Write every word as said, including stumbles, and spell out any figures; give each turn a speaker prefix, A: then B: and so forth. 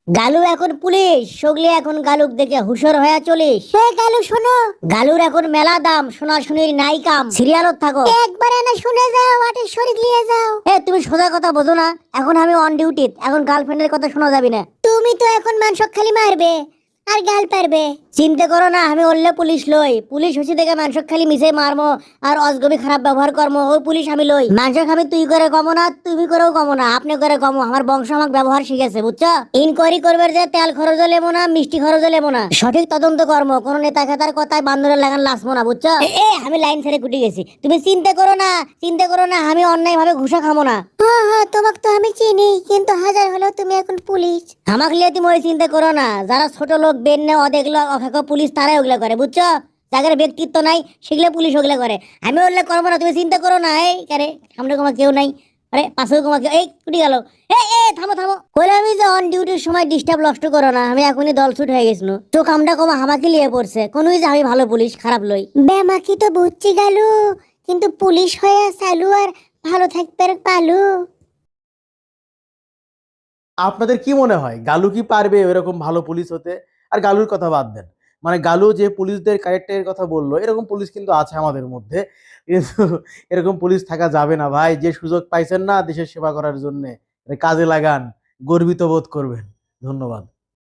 A: গালু এখন পুলিশ, সগলি এখন গালুক দেখে হুশর হয়ে চলিস।
B: হে গালু শোনো,
A: গালুর এখন মেলা দাম, সোনা শুনির নাই কাম, সিরিয়ালত থাকো।
B: একবার এনে শুনে যাও, আটের শরীর নিয়ে যাও।
A: এ তুমি সোজা কথা বোঝো না, এখন আমি অন ডিউটি, এখন গার্লফ্রেন্ডের কথা শোনা যাবি না।
B: তুমি তো এখন মানুষ খালি মারবে আর গাল পারবে।
A: চিন্তা করো না, আমি অল্লে পুলিশ লই, পুলিশ হচ্ছে দেখে মানুষ খালি মিশে মারমো আর অজগবি খারাপ ব্যবহার করমো, ওই পুলিশ আমি লই। মানুষ আমি তুই করে কমো না, তুমি করেও কমো না, আপনি করে কমো, আমার বংশ আমাকে ব্যবহার শিখেছে, বুঝছো? ইনকোয়ারি করবে যে তেল খরচও লেবো না, মিষ্টি খরচও লেবো না, সঠিক তদন্ত কর্ম, কোন নেতা খেতার কথায় বান্দরের লাগান লাসবো না, বুঝছো? এ এ, আমি লাইন ছেড়ে কুটি গেছি, তুমি চিন্তা করো না, চিন্তা করো না, আমি অন্যায় ভাবে ঘুষা খামো না।
B: হ্যাঁ হ্যাঁ, তোমাকে তো আমি চিনি, কিন্তু হাজার হলেও তুমি এখন পুলিশ।
A: আমাকে লিয়ে তুমি ওই চিন্তা করো না, যারা ছোট লোক বেন নে অদেগুলো অখাক পুলিশ তারাই ওগুলা করে, বুঝছো? যাদের ব্যক্তিত্ব নাই সেগুলো পুলিশ ওগুলা করে, আমি ওগুলা করবো না, তুমি চিন্তা করো না। এই কারে সামনে তোমার কেউ নাই, আরে পাশেও তোমার কেউ, এই কুটি গেল। এই এ থামো থামো, কইলে আমি যে অন ডিউটির সময় ডিস্টার্ব নষ্ট করো না, আমি এখনই দল ছুট হয়ে গেছিল, চোখ আমটা কমা হামাকে লিয়ে পড়ছে, কোন যে আমি ভালো পুলিশ খারাপ লই।
B: বেমাকি তো বুঝছি গালু, কিন্তু পুলিশ হয়ে চালু আর ভালো থাকবে পালু।
C: আপনাদের কি মনে হয় গালু কি পারবে এরকম ভালো পুলিশ হতে? আর গালুর কথা বাদ দেন, মানে গালু যে পুলিশদের ক্যারেক্টারের কথা বললো, এরকম পুলিশ কিন্তু আছে আমাদের মধ্যে, কিন্তু এরকম পুলিশ থাকা যাবে না ভাই। যে সুযোগ পাইছেন না দেশের সেবা করার জন্য, কাজে লাগান, গর্বিত বোধ করবেন। ধন্যবাদ।